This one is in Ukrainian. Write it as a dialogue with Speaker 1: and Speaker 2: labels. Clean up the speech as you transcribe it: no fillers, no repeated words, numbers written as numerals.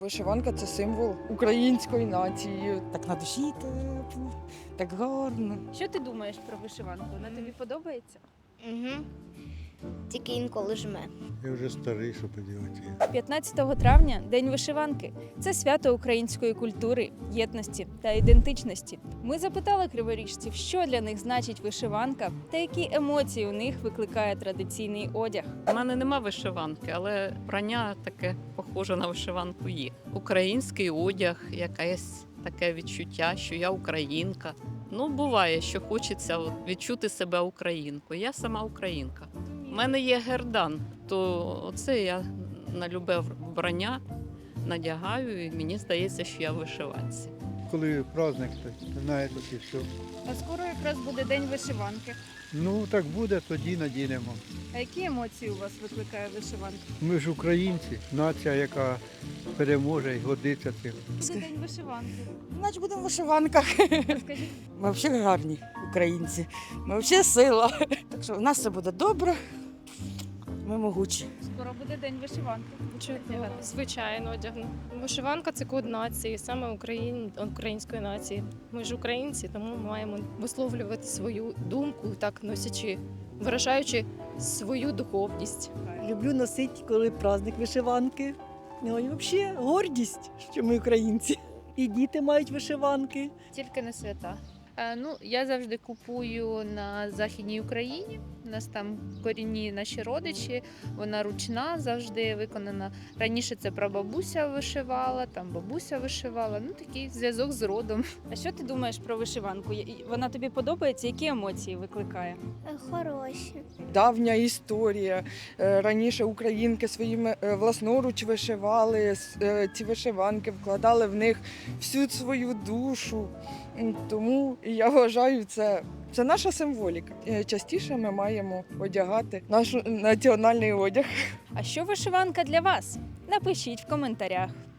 Speaker 1: Вишиванка – це символ української нації. Так на душі тепло, так гарно.
Speaker 2: Що ти думаєш про вишиванку? Вона тобі подобається?
Speaker 3: Угу. Тільки інколи жме.
Speaker 4: Я вже старий, що поділати.
Speaker 2: 15 травня – День вишиванки. Це свято української культури, єдності та ідентичності. Ми запитали криворіжців, що для них значить вишиванка та які емоції у них викликає традиційний одяг.
Speaker 5: У мене нема вишиванки, але вбрання таке похоже на вишиванку є. Український одяг, якесь таке відчуття, що я українка. Ну, буває, що хочеться відчути себе українкою. Я сама українка. У мене є гердан, то оце я на любе вбрання надягаю, і мені здається, що я в вишиванці.
Speaker 4: Коли праздник, то знаєте, і все.
Speaker 2: А скоро якраз буде День вишиванки.
Speaker 4: Ну, так буде, тоді надінемо.
Speaker 2: А які емоції у вас викликає вишиванка?
Speaker 4: Ми ж українці, нація, яка переможе і годиться цим.
Speaker 2: Буде День вишиванки.
Speaker 1: Значить будемо в вишиванках.
Speaker 2: Розкажіть.
Speaker 1: Ми взагалі гарні українці. Ми взагалі сила. Так що в нас все буде добре. Ми могучі.
Speaker 2: Скоро буде День вишиванки.
Speaker 6: Чудово, звичайно, одягну. Вишиванка це код нації, саме української нації. Ми ж українці, тому маємо висловлювати свою думку, так носячи, виражаючи свою духовність.
Speaker 7: Люблю носити, коли праздник вишиванки. Ну і взагалі гордість, що ми українці. І діти мають вишиванки.
Speaker 8: Тільки на свята. Я завжди купую на Західній Україні. У нас там корінні наші родичі, вона ручна, завжди виконана. Раніше це прабабуся вишивала, там бабуся вишивала. Такий зв'язок з родом.
Speaker 2: А що ти думаєш про вишиванку? Вона тобі подобається? Які емоції викликає?
Speaker 3: Хороші.
Speaker 1: Давня історія. Раніше українки своїми власноруч вишивали, ці вишиванки вкладали в них всю свою душу. Тому я вважаю, це наша символіка. Частіше ми маємо одягати наш національний одяг.
Speaker 2: А що вишиванка для вас? Напишіть в коментарях.